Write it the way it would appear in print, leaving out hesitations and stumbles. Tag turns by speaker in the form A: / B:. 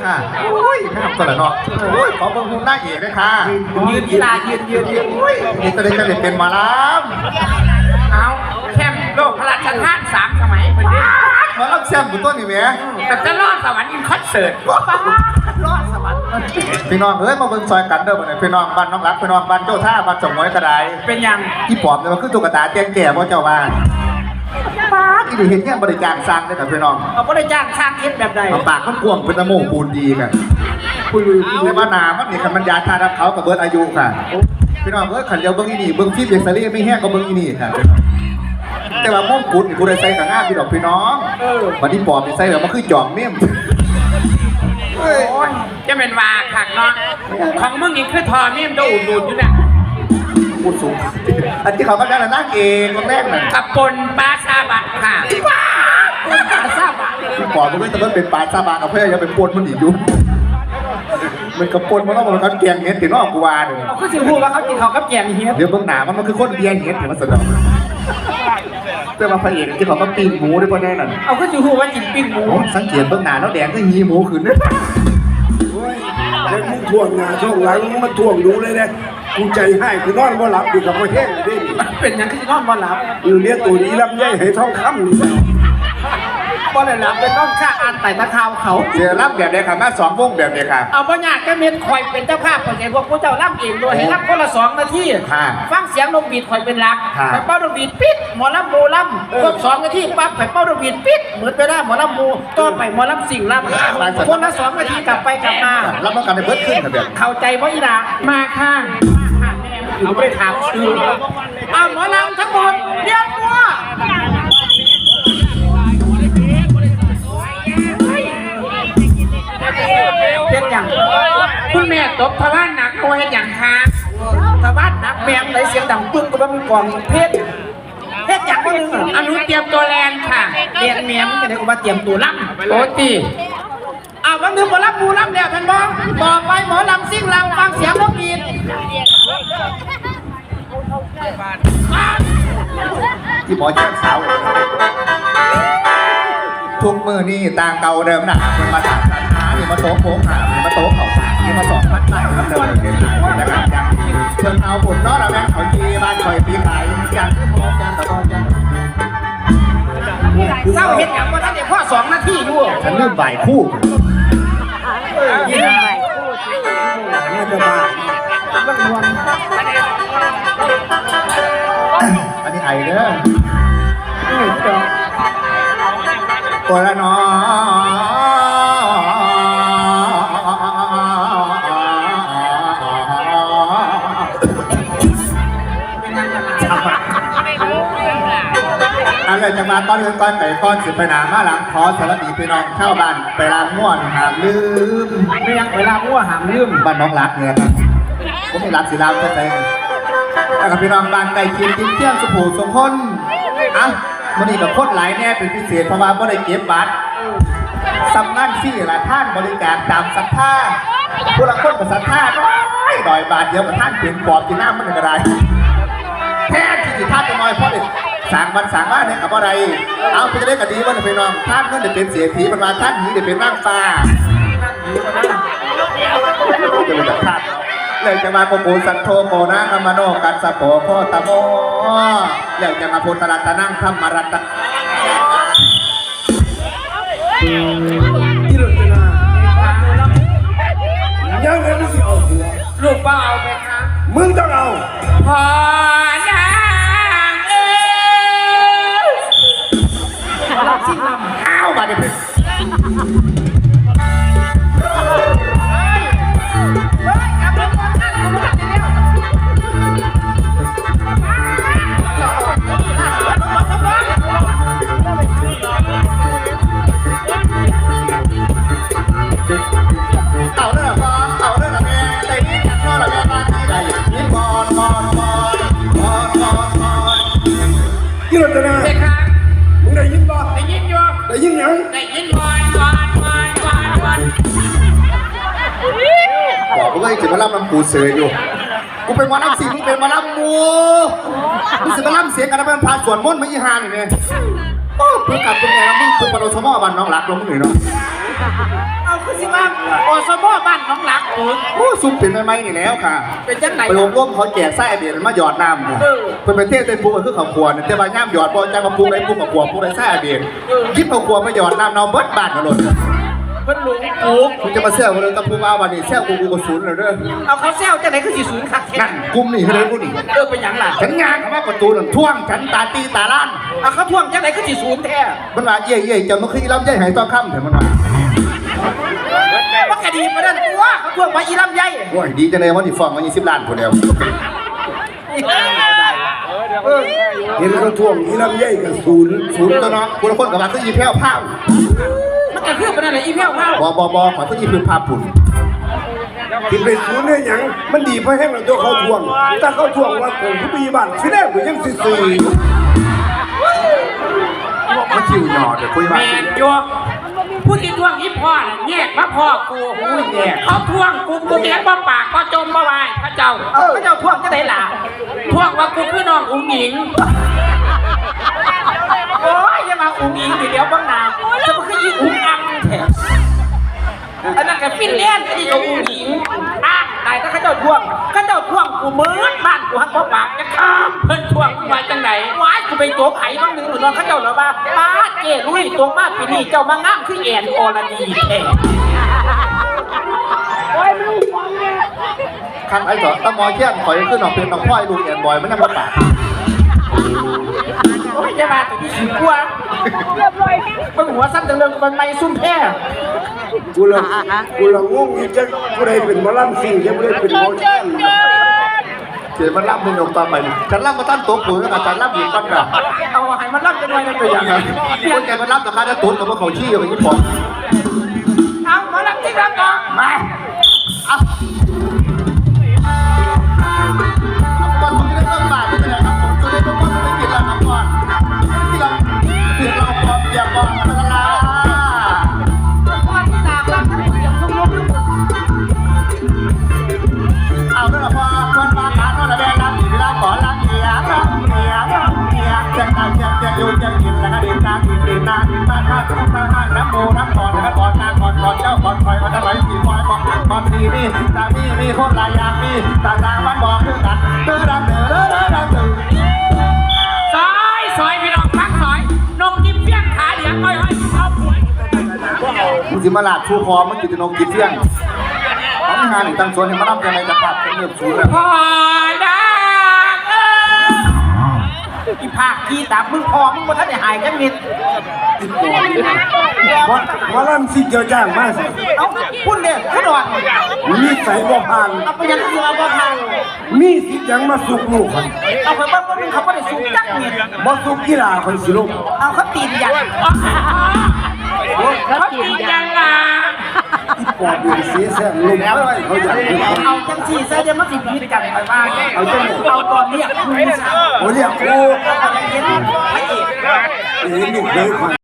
A: ค่ะโอ้ยแม่ตัวละเนาะโอ้ยขอเบิ่งหุ่นหน้าเอกด้วยค่ะยืนกีฬายืนโอ้ยนี่จะได้จะได้เป็นหมาล้ำ
B: เอาแค่โลกพระราชทาน3 สมัยเป็นเด้
A: มาล้ำแซมบุญต้นนี่แม่
B: แต่จะรอดสวรรค์อินคอนเสิร์ตรอดสวรรค์
A: พี่น้องเอ้ยมาเบิ่งซอยกันเด้อบ่เนี่ยพี่น้องบ้านน้องรักพี่น้องบ้านเจ้าท่าบ้านสมมวยกระได
B: เป็นยัง
A: ที่ปอบเนี่ยมันคือตุ๊กตาเตี้ยแก่บ่เจ้าบ้านป้าที่ได้เห็นเนี่ยบริการสร้างได้แต่พี่น้อง
B: เอาบริจาคสร้างคิดแบบใด
A: ปากมันกวงเป็นตะโมงปูนดีกันคุยในบ้านนามันนี่คันมันยาทารับเขากับเบิร์ดอายุค่ะพี่น้องเอ้ยขันเดียวเบิ้งอีนี่เบิ้งฟิล์มเอ็กซเรย์ไม่แห้งก็เบิ้งอีนี่ค่ะแต่ว่าม่วงกุดกูได้ใส่กับงานพี่ดอกพี่น้องวันนี้ปอบใส่แบบมันคือจอมเมี่ยม
B: จะเป็นว่าขักเนาะของมึงนี่คือทอเมี่ยมจะอุ่นอยู่เนี่ย
A: พูดสูงอันที่เขาก็ได้นั่งเองคนแรกน่ะ
B: กับปนปลาซาบะค่ะปนปลาซาบะ
A: พี่ปอบมันไม่ต้องเป็นปลาซาบะกับเพื่อนยังเป็นปนมันอีกอยู่มันกระปนมันต้องมันกันแกงเห็ดถึงนอกกูวาเลย
B: เขาคือพูดว่าเขากินเขากับแกงเห็ด
A: เดี๋ยวเบื้องหน้ามันคือคนเบียร์เห็ดถึงมันสนองแต่มาพระเอกที่เขาก็ปิ้งหมูด้วยพวกนี้นั่น
B: เอาก็จะพูดว่ากินปิ้งหมู
A: สังเกตเบื้องหน้าแล้วแดงก็หีหมูขึ้น
C: เนี่ยมึงท่วงหน้าท่วงหลังมาท่วงดูเลยนะกูใจให้กูนอนบ่หลับดีกับพ่อแห้งเลยดิ
B: เป็นยังคือนอนบ่หลับ
C: เลี้ยงตัวนี้ลำไยให้ท้องคำนี่
B: บ่ได้หลับเป็นน้องข้าอ่านไต่ตะขาวเขา
A: เสียรับแบบเดียวค่ะมา2 วงแบบเดียวค่ะ
B: เอาบ่ยากจะเม็ดคอยเป็นเจ้าภาพคนเห็นพวกผู้เจ้าล่ำเองด้วยให้รับคนละ2 นาทีฟังเสียงนกบีดคอยเป็นหลักไข่เป้านกบีดปิดหมอลำโมลำครบ2 นาทีปั๊บไข่เป้านกบีดปิดเหมือนไปได้หมอลำโมต่อไปหมอลำสิ่งลำคนละ2 นาทีกลับไปกลับมา
A: รับต้องการให้เบิดขึ้นค่ะแบบ
B: เข้าใจบ่อีหล่ะมาค่ะเอาไปถามชื่อเอาหมอลำทั้งหมดเรียกตัวเป็นอย่างคุณแม่ตบทวารหนักโอ้ยอย่างค่ะทวารหนักแมงไหลเสียงดังปึ้งก็ต้องกองเพชรอย่างก็นึงอนุเตรียมตัวแลนค่ะเรียนเมียมันจะได้กูมาเตรียมตัวล่ำโอ้ตีวันนึงหมอลำมูลำเดียวท่านบอกต่อไปหมอลำซิ่งลำฟังเสียงนกบีด
A: ที่หมอแจ้งสาวทุกมือนี่ต่างเก่าเดิมนะมันมาจากสันหานี่มาโต๊ะโค้งหานี่มาโต๊ะเข่าสากนี่มา2 พันไต่ครับเดิมนะครับอย่างเชิงเอาผลนอเราแม่เขาจีบ้านคอยปีขายอย่างที่พอแจ้งตะกอนแจ้ง
B: เศร้าเห็นอย่างว่าท่านเด็กพ่อ2 นาทีอยู่
A: ฉันเริ่มบ่ายคู่
B: ยินบ่ายคู่
C: น่าจะมา
A: อันนี้ไอเด้อตัวละน้ออะไรจะมาก้อนเงินก้อนไหนก้อนสิบไปหนามาหลังขอสวัสดีพี่น้องเข้าบ้านไปรำม่วนหามลืม
B: ไม่ยังไปรำม่วนหามลืม
A: บ้านน้องรักเนี่ยครับผมไม่รักสิรำใช่ไหมแล้วกับพี่น้องบ้านไก่กินกินเที่ยงสุภูสงคนอ่ะมันนี่กับโคตรหลายแน่เป็นพิเศษเพราะว่าไม่ได้เก็บบัตรสำนักที่ละท่านบริการตามศรัทธาผู้ละคนกับศรัทธาน้อยดอยบาทเดียวกับท่านเปลี่ยนปอบกินน้ำมันอะไรแท้ที่ท่านจะน้อยเพราะเด็กสั่งวันสั่งว่าเนี่ยกับอะไรเอาไปจะได้กันดีว่าพี่น้องท่านก็จะเป็นเสียทีมันมาท่านนี้จะเป็นร่างฟ้าจะเป็นแบบท่านเลยจะมาโกโกสันโธโกนะกัมมโนกัสสะโปโคตโมเลยจะมาพุทธรัตนังธรรมรัตน์
C: ที่เราจะนายังไงมึงเอาหัว
B: ลูกป้าเอาไหมคะ
C: มึงต้องเอา
B: พอนางรับสิ่งลำ
A: อ้าวมาเดี๋ยว
C: ที่เราจะนามึงได้ยินบ่
B: ได้ยินอยู่
C: ได้ยินยัง
B: ได้ยินบอล
A: บอกเลยจะมาล่ำน้ำปูเสืออยู่กูเป็นมาล่ำสีมึงเป็นมาล่ำมูมึงจะมาล่ำเสียงกันนะเป็นพาสวนม่นไม่ยี่ห้านี่เนี่ยโอ้เพิ่งกลับเป็นไงแล้วมึงเป็นปนสมอบันน้องรักลงมึงหน่อยเนาะ
B: เอาคือสิว่าอสมบ้านน้องหลักถึง
A: โอ้ซุ่มเป็นใหม่ๆนี่แล้วค่ะ
B: เป็นจังไหน
A: ไปอบรมเขาแจกไส้เบียร์มาหยอดน้ำเพิ่นเป็นเทศเต็มปูคือข้าวคั่วเนี่ยแต่ว่าย่ามหยอดบ่จังมาปรุงได้ปรุงข้าวคั่วปรุงได้ไส้เบียร์คิดข้าวคั่วมาหยอดน้ำเนาเบิดบ้านกันหมด
B: เพิ่นหลงปุ๊ก
A: คุณจะมาแซวกันเลยตะปูมาวันนี้แซวกูก็ศูนย์เลยเด้อ
B: เอาเขาแซวจังไหนคือสิศูนย์คักแท้
A: นั่นกุมนี่คือเลยกูนี่
B: เป็นหยังล่ะ
A: ฉันงานคำว่าประตูนั่นท่วงฉันตาตีตาล้าน
B: เอาเขาท่วงจังไหนคือสิศูนย์แท้
A: มันว่าเย่ๆจะมาคือลำไยหายต้องค่ำเถอะมันว่า
B: ว่ากะดีมานั่นตัวเขาท่วงว่าอีลำไย
A: โอ้ยดีจังเลยว่าที่ฟ้องมา20 ล้านคนเดียว
C: เห็นเขาท่วงอีลำไยกับศูนย์
A: ศูนย์ตัวเนาะคุณละคนกับว่าคืออีแพ้วผ้า
B: มันก็คือปานนั้นแหละอีแพ้วเฮา
A: บขอคืออีพื้นผ้าปุ่น
C: ที่เป็นศูนย์เนี่ยหยังมันดีเพราะแห้งแล้วตัวเขาท่วงถ้าเขาท่วงว่าผมผู้มีบ้านที่แรกผมยังซื่อ
A: มันคิวหยอดเดี๋ยวคุยมา
D: แม่นจัวผู้ที่ทวงอีพ่อน่ะแยกมาพ่อกูเขาทวงกูเลี้ยงบ่ปากก็จมบ่วายพระเจ้า
B: พระเจ้าท่วงจังไหนล่ะ
D: ทวงว่ากูคือน้องอุ้งหญิง
B: โอ้ยอย่ามาอุ้งอิงดิเดี๋ยวบ้างนาจะมาคืออีอุ้งอังแท้อันนั้นก็ฟินแลนด์อันนี้ก็อุ้งอิงอ้างตายถ้าเขาเจ้าท่วงกูเหมือนบ้านกูฮักบ่ปากจะข้าม
D: เพิ่นทวงว่าจังไหน
B: ว้ายกูไปโจกไผ่บ้างหนึ่งหรือนอนเขาเจ้าเหรอว่าป้าเจ้ลุยตัวมาปีนี้เจ้ามางามคือแอนอรดีแท้
A: คันไอ้เถอะตะมอเชี่ยนขอยขึ้นออกเป็นน้องพ่อยลูกแอนบอยมันยังมาปาก
B: โอ้ยจะมาตัวที่สิบกว่ามันหัวสั้นจังเลยมันไม่ซุ่มแพ้
C: ๆกูละงงอีกจะกูได้เป็นหมอลำสิ่งยังไม่ได้เป็นหมอแช่ง
A: เสียมันรับมึงลงต่อไปฉันรับมาตั้งโต๊ะปุ๋ยแล้วฉันรับอยู่ก้อนกระ
B: เอาให้มันรับกันหน่อยนะตัวอย่าง
A: คนแกมันรับแต่ค่าได้ตุ๊ดกับว่าเขาชี้อย่างนี้พอ
B: เอามารับที่รับก่อนมา
A: ก่อนคุณจะได้เริ่มบาทเป็นไงครับผมจะได้ต้องไม่กินแล้วครับก่อนที่เราพร้อมเตรียมก่อนกันละ
B: พ่อที่ตากรับทั้งหมดอย่างทุกลูก
A: เอาด้วยละพอคนมาขานอนแดงน้ำที่เราขอรักเมียรักเมียรักเมียจะตายจะอยู่จะกินแล้วก็ดินน้ำดินน้ำมาข้าทุกข้าน้ำโมน้ำก่อนแล้วก่อนนางก่อนเจ้าก่อนคอยวันละร้อยสี่ร้อยบอกก่อนทีนี่ตานี่มีคนหลายอย่างมีต่างมันบอกคือกันเด้อดังเด้อเด้อดังเด้อ
D: ซอยพี่น้องพักซอยนมยิ้มเปี้ยงขาเหลียงอ้อยเอาผัว
A: มึงสิมาลาดชูคอมึงกินนมกินเที่ยงเขาไม่หาหนึ่งตั้งส่วนให้มารับยังไงจะปรับเป็นเรื่องสูงแล้ว
D: พ่อดัง
B: อีภาคที่ตามมึงพอมึงบ่ทันได้หายกันมิด
C: หมอลำสิ่งเจ้าจ้างมาสิ
B: เอาพุ่นเนี่ยขนอน
C: มีใส่บ่ผ่าน
B: เอาไปยังคือเอาบ่ทาง
C: มีสิทธิ์ยังมาสุกลูกคน
B: เอาไปบ้านมึงเขาบ่ได้สูงจักมิด
C: บ่สุกกีฬาคนสิลูก
B: เอาเขาตีนยัน
D: เขาตียังล่ะ
C: ที่ปอดอยู่เสียแซงลมแล้วเขาอยากดู
B: เอาจังสี่ซะจะมาสิพิษกันไปว่าเอาตอนเนี้ยคุณสาว
C: โอ้ยกู
B: เอาใจเย็นพระเอก
C: เห็นลูกเคยคน